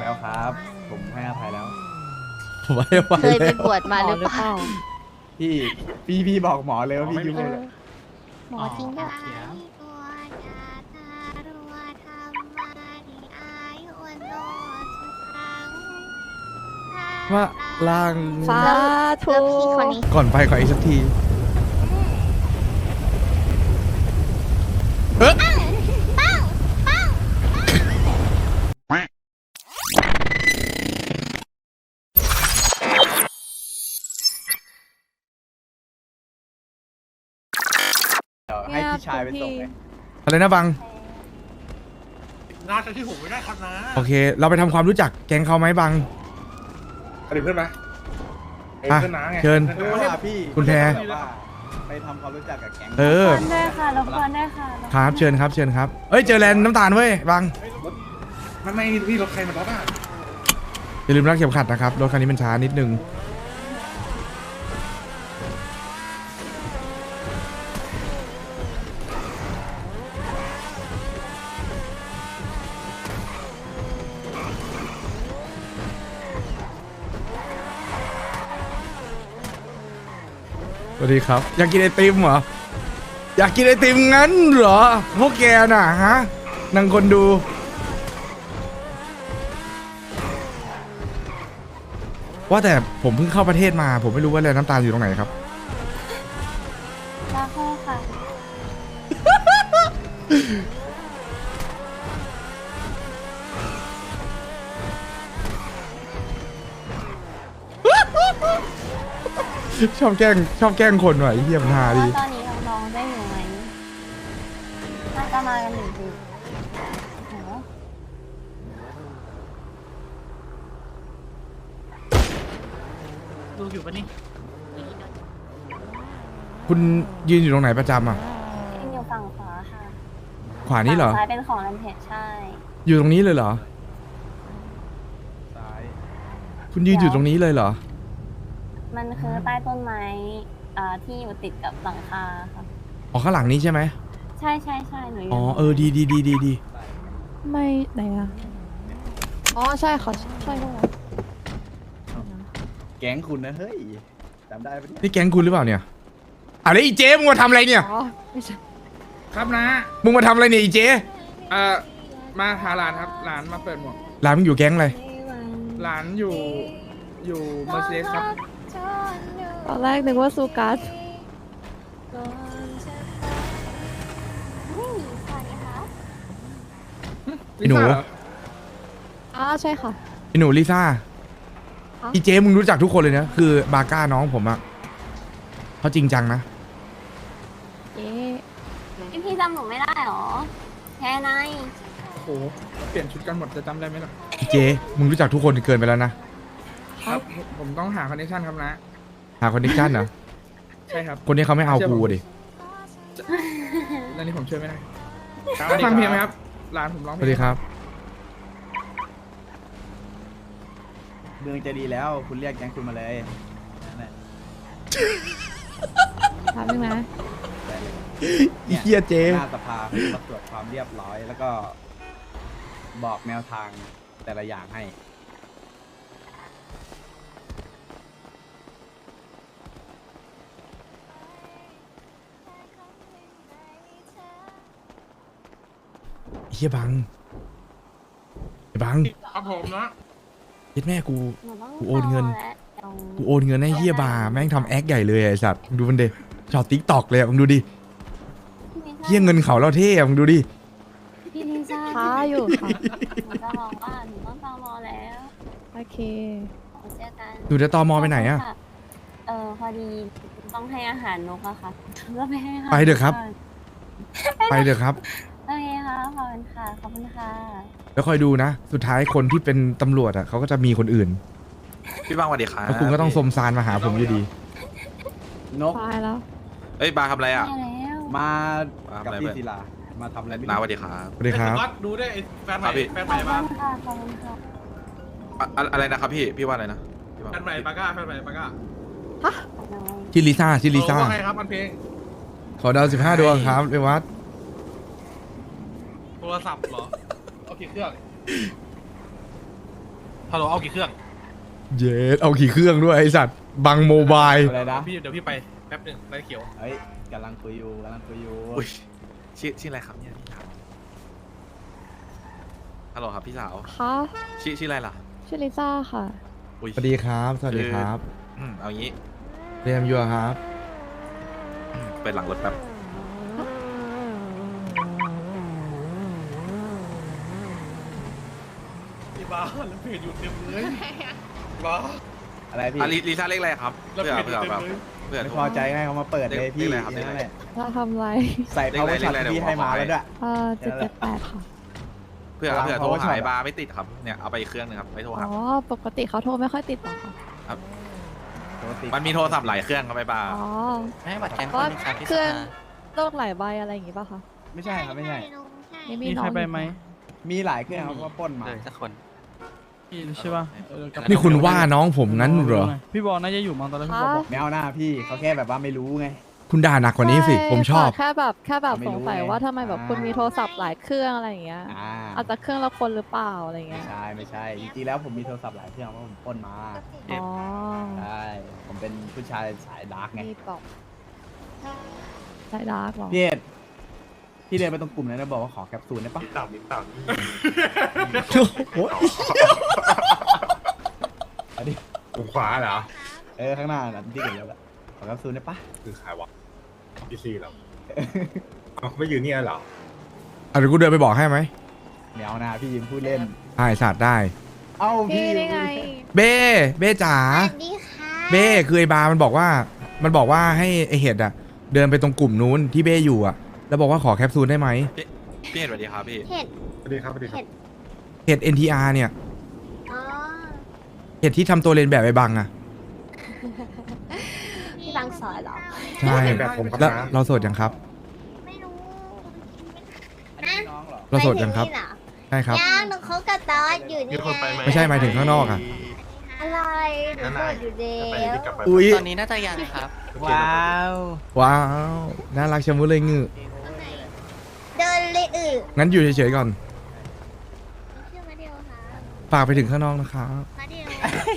แล้วครับ ผมให้อภัยแล้วผมไม่ไหวเคยไปแล้วบวชมาหรือเปล่าพี่บอกหมอเลยว่าพี่ยุ่งเลยหมอจริงด้วยว่าล่างสาธุแล้วพี่คนนี้ก่อนไปขออีกสักทีเอ๊ะเดี๋ยวให้พี่ชายไปส่งเลยอะไรนะบังน่าจะที่ผมไม่ได้ครับนะโอเค เราไปทำความรู้จักแก๊งเขาไหมบังเดี๋ยวเพื่อนมาอ่ะเพื่อนน้าไงเชิญเออว่าพี่คุณแพรแบบว่าไปทำความรู้จักกับแก๊งเออได้ค่ะรบกวนได้ค่ะครับเชิญครับเชิญครับเอ้ยเจอแลนด์น้ำตาลเว้ยบังไม่พี่รถใครมาล็อกอ่ะอย่าลืมรักเข็มขัดนะครับรถคันนี้มันช้านิดนึงสวัสดีครับ อยากกินไอติมเหรอ อยากกินไอติมงั้นเหรอ พวกแกน่ะฮะนางคนดู ว่าแต่ผมเพิ่งเข้าประเทศมา ผมไม่รู้ว่าแลน้ำตาลอยู่ตรงไหนครับลาโคค่ะชอบแกล้งคนหน่อยเฮียมนฮาดีว่าตอนนี้น้องๆได้อยู่ไหมน่าจะมากันหนึ่งทีโอ้โหดูอยู่ปะนี่คุณยืนอยู่ตรงไหนประจำอ่ะยังอยู่ฝั่งขวาค่ะขวานี้เหรอฝั่งซ้ายเป็นของรันเพจใช่อยู่ตรงนี้เลยเหรอซ้ายคุณยืนอยู่ตรงนี้เลยเหรอมันคือใต้ต้นไม้ที่อยู่ติดกับหลังคาค่ะอ๋อข้างหลังนี้ใช่ไหมใช่ใช่ใช่หนูอยู่อ๋อเออดีดีไม่ไหนอะอ๋อใช่ค่ะใช่ด้วยแก๊งคุณนะเฮ้ยจำได้ปะเนี่ยนี่แก๊งคุณหรือเปล่าเนี่ยอ่ะแล้วอีเจ๊มึงมาทำอะไรเนี่ยอ๋อไม่ใช่ครับนะมึงมาทำอะไรเนี่ยอีเจ๊มาหาหลานครับหลานมาเปิดหมวกร้านมึงอยู่แก๊งอะไรหลานอยู่เมอร์เซเดสครับตอนแรกนึกว่าซูกัสไอ้หนูลิซ่าเรออ๋อใช่ค่ะไอ้หนูลิซ่าฮะอีเจ๊มึงรู้จักทุกคนเลยนะคือบาก้าน้องผมอะเขาจริงจังนะเอ๊ะพี่จำหนูไม่ได้หรอแค่ไหนโอ้โหเปลี่ยนชุดกันหมดจะจำได้ไหมล่ะอีเจ๊มึงรู้จักทุกคนเกินไปแล้วนะครับผมต้องหาคอนเนคชั่นครับนะหาคอนเนคชั่นเหรอใช่ครับคนนี้เขาไม่เอากูดิแล้วนี่ผมช่วยไม่ได้ฟังเพลงไหมครับหลานผมร้องสเพลวัสดีงครับเมืองจะดีแล้วคุณเรียกแก๊งคุณมาเลยนั่นแหละถามนึงนะได้เลยอีเหี้ยเจ๊หน้าสภาเขาจะมาตรวจความเรียบร้อย แล้วก็บอกแนวทางแต่ละอย่างให้เฮียบังไอ้บังครับผมนะเย็ดแม่กูหนูต้องกูโอนเงินรแล้วเดี๋ยวกูโอนเงินให้เฮียบาแม่งทำแอคใหญ่เลยไอ้สัตว์มึงดูมันเด็ช็อตติ๊กตอกเลยอะมึงดูดิพี่ลิซ่าเฮียเงินเขาเราเท่อะมึงดูดิพี่ลิซ่าช้าอยู่ค่ะหนูจะบอกว่าหนูต้องตามอแล้วโอเคเจอกันหนูจะตอมอไปไหนอะพอดีต้องให้อาหารนกอะค่ะก็ไปให้อาหารไปเถอะครับ ไปเถอะครับโอเคค่ะขอบคุณค่ะขอบคุณค่ะแล้วคอยดูนะ สุดท้ายคนที่เป็นตำรวจอะเขาก็จะมีคนอื่นพี่บ้างสวัสดีครับแล้วคุณก็ต้องสมซานมาหาผมอยู่ดีนกตายแล้วเอ้ยบาร์ทำอะไรอ่ะได้แล้วมามากับอะไรพี่ไปศิลามาทำอะไรไม่น้าสรู้วัสดีครับสวัสดีครับดูได้ไอ้แฟนใหครัม่บพี่แฟนขใหอม่บมาคุณค่ะขอบคุณค่ะอะไรนะครับพี่ว่าอะไรนะพี่ว่าแฟนใหม่ปาก้าแฟนใหม่ปาก้าชื่อลิซ่าชื่อลิซ่าว่าไงครับอันเพลงขอดาว15 ดวงครับเรวัตโทรศัพท์เหรอเอากี่เครื่องฮัลโหลเอากี่เครื่องเย็ดเอาขี่เครื่องด้วยไอสัตว์บังโมบายอะไรนะเดี๋ยวพี่ไปแป๊บหนึงไฟเขียวเฮ้ยกำลังคุยอยู่อุ้ยชื่ออะไรครับเนี่ยพี่สาวฮัลโหลครับพี่สาวคะชื่ออะไรล่ะชื่อลิซ่าค่ะอุ้ยสวัสดีครับสวัสดีครับเอางี้เรียมยัวครับเปิดหลังรถแป๊บพี่บ้าแล้วเพจอยู่เต็มเลยบ้าอะไรพี่ลิซ่าเรียกอะไรครับแล้วเพื่อเพจอยู่เพื่อเต็มแบบเลยเพื่อไม่โทพรอใจให้เขามาเปิดเลยพี่เรียกอะไรครับนั่นแหละถ้าทำไรใส่ power shot ที่พี่ให้มาแล้วด้วย 778 ค่ะเพื่อวางโทร power หา shot ยบาร์ไม่ติดครับเนี่ยเอาไปอีกเครื่องหนึงครับไม่โทรอ๋หาอ ปกติเขาโทรไม่ค่อยติดหรอกค่ะมันมีโทรศัพท์หลายเครื่องครับไอ้บาร์อ๋อไม่ให้บัตรแกงก็คนนึงครับพี่เครื่องสภาโลกหลายใบอะไรอย่างงี้ป่ะคะไม่ใช่ครับไม่ใช่นี่มีน้องอยู่ค่ะมีหลายเครื่องครับว่าปล้นมาเลยสักคนพี่ใช่ป่ะนี่คุณว่าน้องผมงั้นเหรอพี่บอลน่าจะอยู่มั้งตอนแรกพี่บอลบอกไม่เอาหน้าพี่เขาแค่แบบว่าไม่รู้ไงคุณด่าหนักกว่านี้สิ ผมชอบแค่แบบไม่สรู้งสัยไงว่าทำไมแบบคุณมีโทรศัพท์หลายเครื่องอะไรอย่างเงี้ย อาจจะเครื่องละคนหรือเปล่าอะไรอย่างเงี้ยไม่ใช่จริงๆแล้วผมมีโทรศัพท์หลายเครื่องเพราะผมปล้นมาอ๋อใช่ผมเป็นผู้ชายสายดาร์กไงมีบอกสายดาร์กเหรอพี่เอ็ดพี่เดินไปตรงกลุ่มนั้นแล้วบอกว่าขอแคปซูลได้ปะโอ้ยอันนี้กลุ่มขวาเหรอข้างหน้าน่ะที่เห็นแล้วแหละขอแคปซูลได้ปะคือใครวะพี่ซีเหรอเขาไม่ยืนเนี่ยเหรออ่ะเดี๋ยวกูเดินไปบอกให้ไหมไม่เอาหน้าพี่ยิมพูดเล่นใช่สัตว์ได้เอ้าพี่พี่ได้ไงเบ้จ๋าสวัสดีค่ะเบ้คือไอบาร์มันบอกว่าให้ไอเห็ดอะเดินไปตรงกลุ่มนู้นที่เบ้อยู่อะแล้วบอกว่าขอแคปซูลได้ไหมพี่เห็นสวัสดีครับพี่เห็ดสวัสดีครับสวัสดีครับเห็ด NTR เนี่ยอ๋อเห็ดที่ทำตัวเรียนแบบไอบังอะพี่บางสอนเหรอใช่แบบผมครับแล้วนะเราโสดยังครับไม่รู้อันนี้น้องเหรอเราโสดยังครับไม่ถึนี่เหอใช่ครับยังหนูเขากับตอสอยู่นี่ไงไม่ใช่หมายถึงข้างนอกอะอะไรหนูโสดอยู่เดียวอุ้ยตอนนี้น่าจะยังครับว้าวว้าวน่ารักชะมุดเลยงือเดินเลยงั้นอยู่เฉยๆก่อนชื่อมาเดียวค่ะฝากไปถึงข้างนอกนะครับมาเดียว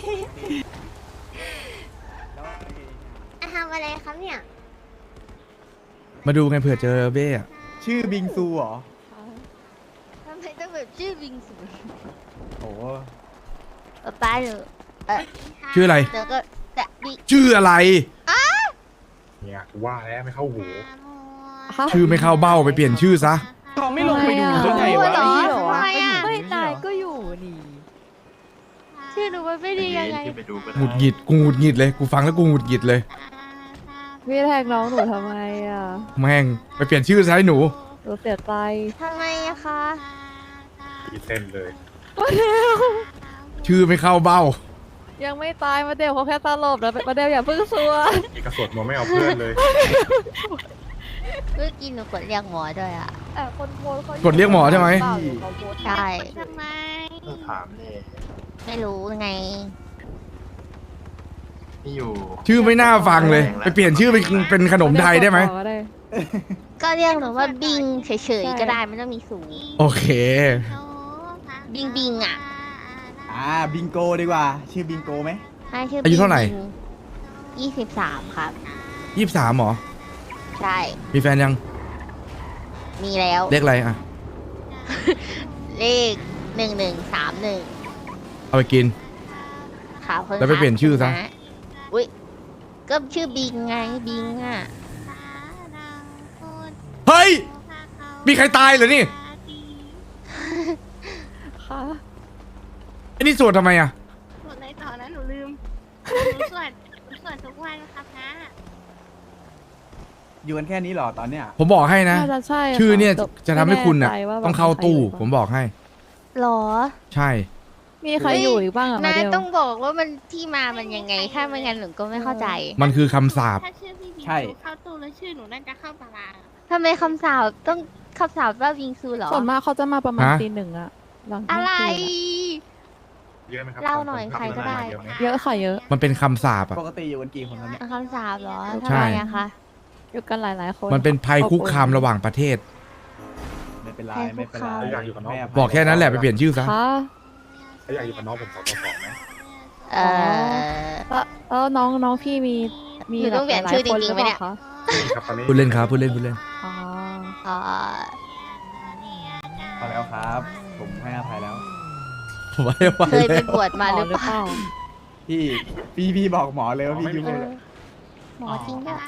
ทำอะไรครับเนี่ยมาดูกันเผื่อเจอเบ้อะชื่อบิงซูเหรอทำไมต้องแบบชื่อบิงซูโอ้ป้าหนูชื่ออะไรเดี๋ยวก็จะบิชื่ออะไรเนี่ยกูว่าแล้วไม่เข้าหูฮะชื่อไม่เข้าเบ้าไปเปลี่ยนชื่อซะเขาไม่ลงไปดูทำได้ไมไงอะวะทำไมอ่ะไม่นายก็อยู่นี่ชื่อหนูมันไม่ดียังไงหงุดหงิดกูหงุดหงิดเลยกูฟังแล้วกูหงุดหงิดเลยพี่แทงน้องหนูทำไมอ่ะแม่งไปเปลี่ยนชื่อซะให้หนูหนูเสียใจทำไมอะคะตีเส้นเลยชื่อไม่เข้าเบ้ายังไม่ตายมาเดลเขาแค่ตลบแล้วมาเดลอย่าเพิ่งซัวอีกกระสดมันไม่เอาเพื่อนเลยเมื่อกี้หนูกดเรียกหมอด้วยอ่ะแต่คนโพสต์เขากดเรียกหมอใช่ไหมเปล่ารือเขาโพสต์ใช่ทำไมถามเลยไม่รู้ไงนี่อยู่ชื่อไม่น่าฟังเลย ไปเปลี่ยนชื่อเป็นขนมไทยได้ไหมก็ได้ก็เรียกหนูว่าบิงเฉยๆก็ได้ไม่ต้องมีสูงโอเคบิงบิงอ่ะบิงโกดีกว่า ชื่อบิงโกไหมให้ชื่ออายุเท่าไหร่ 23 ครับ 23หรอใช่มีแฟนยังมีแล้วเลขอะไรอะเลข1131 เอาไปกินขาวเพิ่งแล้วไปเปลี่ยนชื่อซะอุ้ยก็ชื่อบิงไงบิงอ่ะเฮ้ย มีใครตายเหรอนี่ค่ะไอ้นี่สวดทำไมอะหมดเลยต่อนะหนูลืม หนูสวดทุกวันครับนะอยู่กันแค่นี้เหรอตอนเนี้ยผมบอกให้นะน่าจะใช่ค่ะชื่อเนี่ยแต่จะทำให้คุณน่ะไม่แน่ใจว่าแบบต้องเข้าตู้ใครอยู่ผมบอกให้หรอใช่มีใครอยู่อีกบ้างอะมานาเดยลต้องบอกว่ามันที่มามันยังไง ถ้าไม่งั้นหนูก็ไม่เข้าใจมันคือคำสาปถ้าชื่อพี่บิงใช่ซูเข้าตู้แล้วชื่อหนูน่าจะเข้าตารางทำไมคำสาบต้องคำสาบว่าวิงซูเหรอส่วนมากเขาจะมาประมาณฮะตี 1อะหลังเที่อะยงไรคืนอะเยอะไหมครับเล่าหน่อยใครก็ได้เยอะค่ะเยอะมันเป็นคำสาปอะปกติอยู่กันกี่คนครับเนี่ยคำสาบเหรอใช่ทำไมอะคะอยู่กันหลายๆคนมันเป็นภัยคุกคามระหว่างประเทศไม่เป็นไรไม่เป็นไรอยากอยู่กับน้องให้ภัยบอกแค่นั้นแหละไปเปลี่ยนชื่อซะค่ะเขาอยากอยู่กับน้องผม2 ต่อ 2ไหมเออแล้วน้องพี่มีหนูต้องเปลี่ยนชื่อจริงๆไหมเนี่ยคะครับตอนนี้พูดเล่นครับพูดเล่นพูดเล่นอ๋ออ๋อพอแล้วครับ ผมให้อภัยแล้วไว้เคยไปบวชมาหรือเปล่าพี่บอกหมอเลยว่าพี่ยุ่งเลยหมอจริงด้วย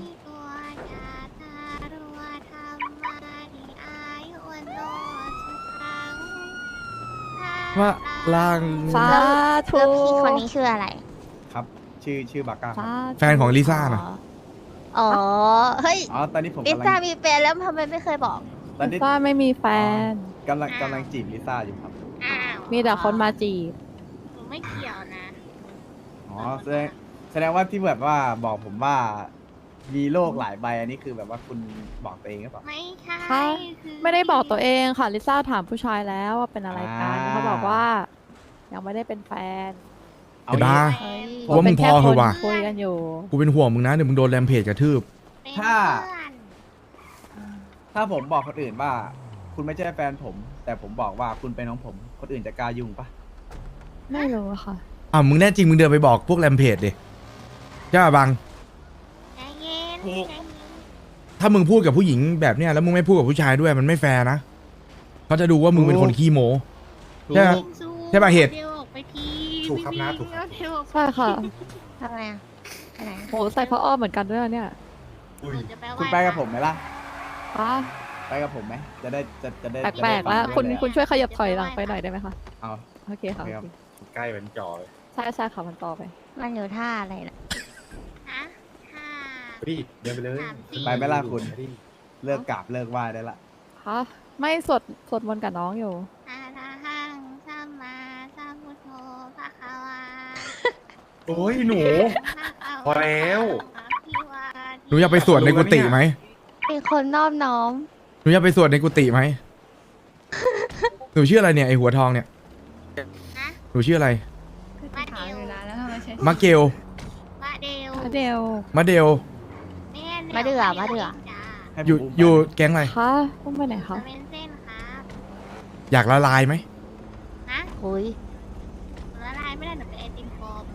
ว่าล่างสาธุแล้วพี่คนนี้ชื่ออะไรครับ ชื่อบาก้าครับสาธุแฟนของลิซ่านะอ๋อ เฮ้ยอ๋อตอนนี้ผมลิกำลัซ่าง มีแฟนแล้วทำไมไม่เคยบอกตอนนี้ฟ้าไม่มีแฟนกำลังจีบลิซ่าอยู่ครับอ้าวมีแต่คนมาจีบหนูไม่เกี่ยวนะอ๋อแสดงว่าที่แบบว่าบอกผมว่ามีโลกหลายใบอันนี้คือแบบว่าคุณบอกตัวเองหรือเปล่าไม่ใช่ค่ะคือไม่ได้บอกตัวเองค่ะลิซ่าถามผู้ชายแล้วว่าเป็นอะไรกันอ่าเขาบอกว่า ยังไม่ได้เป็นแฟนเอาไอ้บ้าเฮ้ยผมว่ามึงพอเถอะว่ะคุยกันอยู่กูเป็นห่วงมึงนะเดี๋ยวมึงโดนแรมเพจกระทืบเป็นถ้าเพื่อนถ้าผมบอกคนอื่นว่า คุณไม่ใช่แฟนผม แต่ผมบอกว่าคุณเป็นของผม คนอื่นจะกล้ายุ่งปะไม่รู้อะค่ะอ่ะมึงแน่จริงมึงเดินไปบอกพวกแรมเพจดิใช่ป่ะบังใจเย็นถูกใจเย็นถ้ามึงพูดกับผู้หญิงแบบเนี้ยแล้วมึงไม่พูดกับผู้ชายด้วยมันไม่แฟร์นะเขาจะดูว่ามึงเป็นคนขี้โม้ ใช่ไหมสู้ใช่ป่ะเหตุเดี๋ยวออกไปทีถูกครับนะถูกครับเดี๋ยวออกไปใช่ค่ะทำไมอ่ะไปไหนโหใส่ผ้าอ้อมเหมือนกันด้วยอะเนี่ยอุ้ยหนูจะไปคุณไปกับผมไหมล่ะคะไปกับผมไหมจะได้จะได้แปลกๆแล้วจะได้คุณฟังคุณช่วยขยับถอยหลังไปหน่อยได้ไหมคะเอาโอเคค่ะโอเคครับโอเคใกล้เป็นจอเลยใช่ใช่ค่ะมันต่อไปมันอยู่ท่าอะไรล่ะฮะห้าพี่เดินไปเลยไปไหมล่ะคุณพี่เลิกกราบเลิกไหว้ได้ละคะไม่สวดมนต์กับน้องอยู่อาลาหังสัมมาสัมพุทโธภะคะวาโอ้ยหนู พอแล้วหนูอยากไปสวดในกุฏิไหมเป็นคนนอบน้อมหนูอยากไปสวดในกุฏิไหมหนูชื่ออะไรเนี่ยไอหัวทองเนี่ยฮะหนูชื่ออะไรมาเดลมาเกลมาเดลเดวมาเดลแม่มาเดือมาเดือจ้าให้ผมอยู่มไปอยู่แก๊งอะไรคะต้องไปไหนคะเป็นเส้นครับอยากละลายไหมฮะอุ้ยละลายไม่ได้หนูเป็นไอติมโฟม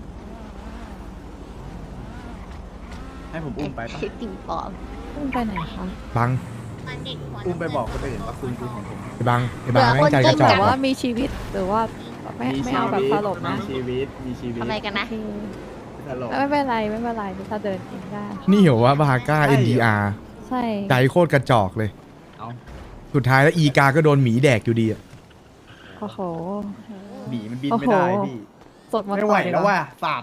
ให้ผมอุ้มไปปะไอติมปลอมต้องไปไหนคะบังตอนเด็กหัวอุ้มไปบอกคนอื่นว่าคุณคือของผมไอ้บังไอ้บังแม่งใจกระจแบอกบว่าว่ะมีชีวิตหรือว่าไม่เอาแบบสลบนะมีชีวิตมีชีวิตทำไมกันนะโอเคตลกไม่เป็นไรไม่เป็นไรถ้าเดินเองได้นี่เหรอวะบาก้าใช่เหรอ NDR ใช่ใจโคตรกระจอกเลยเอาสุดท้ายแล้วอีกาก็โดนหมีแดกอยู่ดีอะโอ้โหหมีมันบินโอ้ไม่โหได้พี่สดมนต์ไม่ไหวต่อดีกแล้วว่ะศาสตร์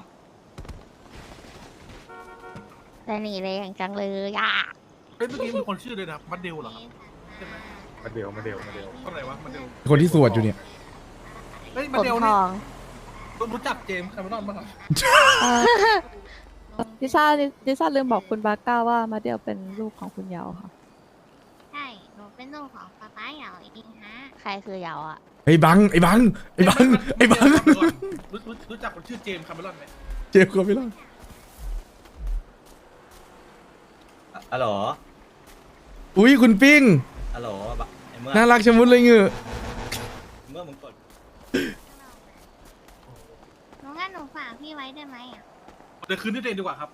แต่หนีเลยอย่างจังเลยอ่ะเฮ้ยเมื่อกี้มีคนชื่อด้วยนะมัดเดลเหรอครับมาเดียวมาเดียวมาเดียวคนไหนวะมัดเดลคนที่สวดอยู่เนี่ยเฮ้ยผมัดมเดลทนี่องรู้จักเจมส์คาร์มอนบ้างครับเอ่อลิซ่าลืมบอกคุณบาก้าว่ามาเดียวเป็นลูกของคุณเยาวค่ะใช่หนูเป็นลูกของป๊าป๊าเหยาเองฮะใครคือยาวอ่ะไอ้บังไอ้บังไอ้บังไอ้บังรู้จักคนชื่อเจมส์คาร์มอนไหมเจ็บก็ไม่รอดฮัลโหลอุ้ยคุณปิ้งฮัลโหลไอ้เมื่อน่ารักชะมุดเลยเงือเมื่อมึงกดหนูงั้นหนูฝากพี่ไว้ได้ไหมอ่ะเดี๋ยวคืนนี้เองดีกว่าครับ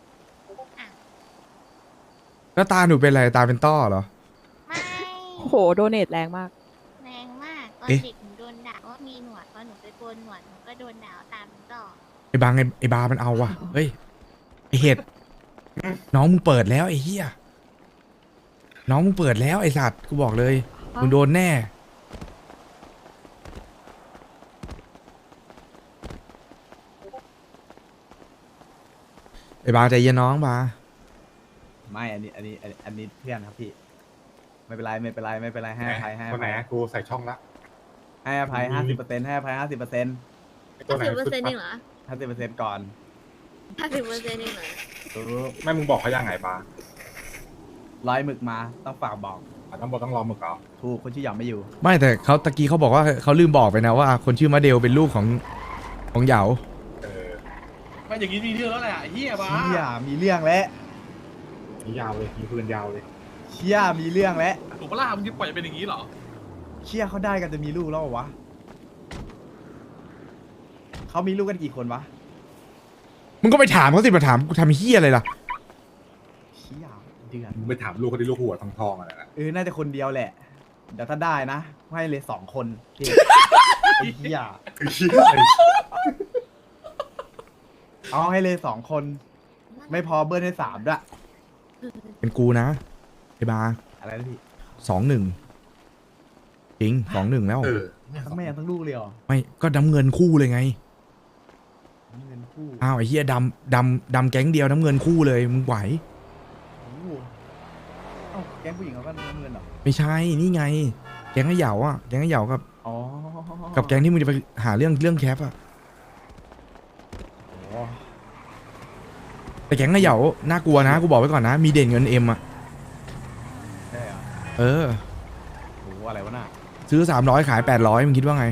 แล้วตาหนูเป็นอะไรตาเป็นต้อเหรอไม่โอ้โหโดเนทแรงมากแรงมากตอนเอ๊ะเด็กหนูโดนด่าว่ามีหนวดพอหนูไปโกนหนวดหนูก็โดนด่าว่าตามต่อไอ้บังไอ้บามันเอาว่ะเฮ้ยไอ้เห็ดน้องมึงเปิดแล้วไอ้เหี้ยน้องมึงเปิดแล้วไอ้สัตว์กูบอกเลยมึงโดนแน่ไอ้บาใจเย็นน้องบาไม่อันนี้เพื่อนครับพี่ ไม่เป็นไรไม่เป็นไรไม่เป็นไรให้อภัยให้อคนไหนภัยอะกูใส่ช่องละให้อภัย50%ให้อภัย50% ไอ้ตัวไหน 50%เองเหรอ 50%ก่อน 50%เองเหรอแม่มึงบอกเขายังไงปะร้อยหมึกมาต้องฝากบอกต้องบอกต้องรอมึงเอาถูกคนชื่อหยองไม่อยู่ไม่แต่เขาตะกี้เขาบอกว่าเขาลืมบอกไปนะว่า คนชื่อมาเดลเป็นลูกของเหยาเออไม่อย่างนี้มีเรื่องแล้วแหละไอ้เฮียบ้าเชี่ยมีเรื่องแล้วนี่ยาวเลยมีปืนยาวเลยเชี่ยมีเรื่องแล้วถูกปะล่ะมึงจะปล่อยเป็นอย่างนี้เหรอเชี่ยเขาได้กันจะมีลูกแล้วเหรอวะเขามีลูกกันกี่คนวะมึงก็ไปถามเขาสิมาถามกูทำเฮียอะไรล่ะเชี่ยเดือนมึงไปถามลูกเขาที่ลูกหัวทองๆอะไรนะน่าจะคนเดียวแหละ เดี๋ยวถ้าได้นะให้เลย2 คนพี่ไอ้เหี้ยเอาให้เลย2 คน ไม่พอเบิ้ลให้3ด้วยเป็นกูนะไอ้บาอะไรนะพี่ 2-1จริง2-1แล้วทั้งแม่ทั้งลูกเลยเหรอไม่ก็น้ำเงินคู่เลยไงเงินคู่อ้าวไอ้เฮียดำแก๊งเดียวน้ำเงินคู่เลยมึงไหวโอ้โหเอ้าแก๊งผู้หญิงเขาก็น้ำเงินเหรอไม่ใช่นี่ไง แก๊งไอ้เหยาอ่ะแก๊งไอ้เหยากับอ๋อกับแก๊งที่มึงจะไปหาเรื่องแคปอ่ะอ๋อแต่แก๊งไอ้เหยาน่ากลัวนะกูบอกไว้ก่อนนะมีเด่นเงินเอ็มอ่ะได้เหรอเออโอ้โหอะไรวะน่ะซื้อ300ขาย800มึงคิดว่าไง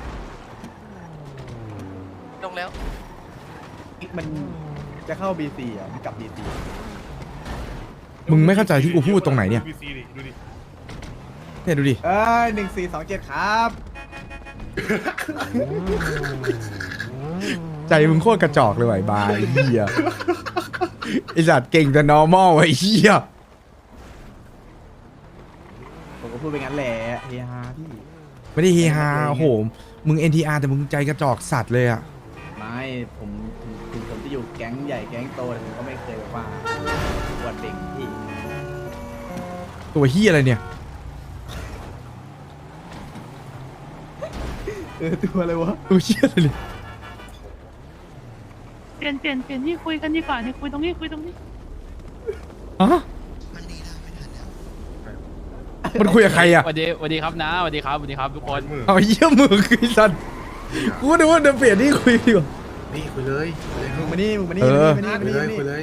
ลงแล้วมันจะเข้า BC อ่ะมันกลับ BC มึงไม่เข้าใจที่กูพูดตรงไหนเนี่ยดู BC ดิดูดิเนี่ยดูดิ 1427 ครับใจมึงโคตรกระจอกเลยว่ะไอ้บายเฮียไอสัตว์เก่งแต่ normal ไอ้เฮียผมก็พูดไปงั้นแหละเฮฮาพี่ไม่ได้เฮฮาโอ้โหมึง NTR แต่มึงใจกระจอกสัตว์เลยอ่ะไม่ผมถึงผมจะอยู่แก๊งใหญ่แก๊งโตแต่ผมก็ไม่เคยแบบว่าอวดเด็กพี่ตัวเฮียอะไรเนี่ยตัวอะไรวะตัวเฮียอะไรเนี่ยเปลี่ยนที่คุยกันดีกว่าที่คุยตรงนี้คุยตรงนี้ฮะมันคุยกับใครอ่ะสวัสดีครับนะสวัสดีครับทุกคนเอาเยี่ยมือคือสัตว์กูนึกว่าเดี๋ยวเปลี่ยนที่คุยดีกว่านี่คุยเลยคุยเลยมึงมานี่มานี่เออมานี่คุยเลยคุยเลย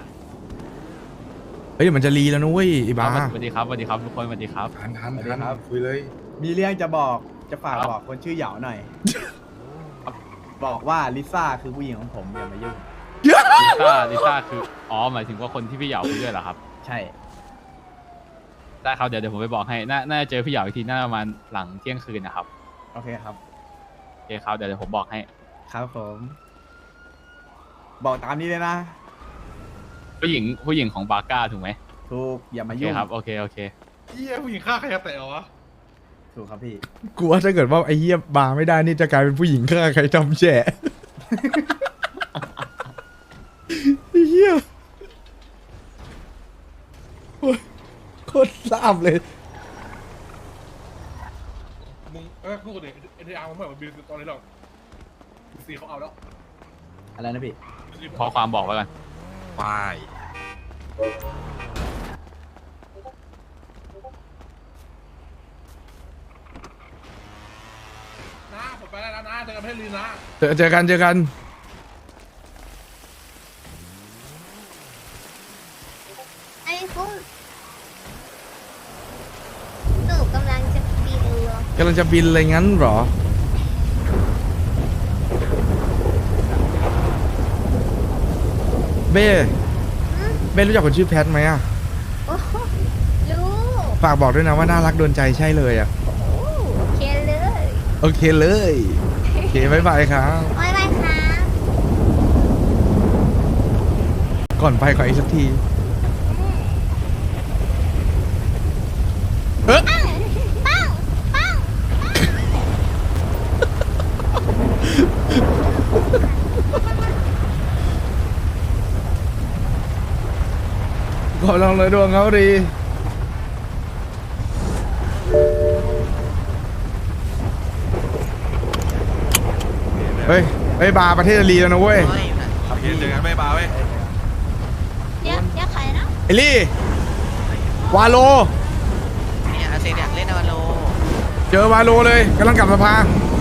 เฮ้ยเดี๋ยวมันจะรีแล้วนะเว้ยไอ้บ้าสวัสดีครับทุกคนสวัสดีครับทันคุยเลยมีเรื่องจะบอกจะฝากบอกคนชื่อเหยาหน่อย บอกว่าลิซ่าคือผู้หญิงของผมอย่ามายุ่งลิซ่าคืออ๋อหมายถึงว่าคนที่พี่เหยาคุยด้วยเหรอครับใช่ได้ครับเดี๋ยวผมไปบอกให้น่าจะเจอพี่เหยาอีกทีน่าประมาณหลังเที่ยงคืนนะครับโอเคครับโอเคครับเดี๋ยวผมบอกให้ครับผม บอกตามนี้เลยนะผู้หญิงของบาก้าถูกไหมถูกอย่าโอมาเคยุ่งครับโอเคเฮียผู้หญิงฆ่าใครจะแตะวะถูกครับพี่กูว่าถ้าเกิดว่าไอ้เหี้ยบาร์ไม่ได้นี่จะกลายเป็นผู้หญิงฆ่าใครทำแฉะไอ้เหี้ยโอ๊ยโคตรทราบเลยมึงพูดเลยเอ็นทีอาร์มึงไม่เหมือนบีตอนนี้หรอก BC เขาเอาแล้วอะไรนะพี่ขอความบอกไว้ก่อนวายนะผมไปแล้วนะเจอกันประเทศลีนนะเจอกันไอ้ฟุ้งหนูกำลังจะบินเหรอกำลังจะบินอะไรงั้นเหรอ เบ้รู้จักคนชื่อแพทไหมอ่ะโอ้โหรู้ฝากบอกด้วยนะว่าน่ารักโดนใจใช่เลยอ่ะโอ้เคเลยโอเคเลย โอเคบ๊ายบายครับบ๊ายบายครับก่อนไปขออีกสักทีเอ๊ะปังปังขอลองเลยดวงเขาดีเฮ้ยบาร์ประเทศลีแล้วนะเว้ยโอเคเจอกันไม่บาเว้ยเดี๋ยวใครนะไอลี่วาโลเนี่ยอาเซอยากเล่นวาโลเจอวาโลเลยกำลังกลับสภาโ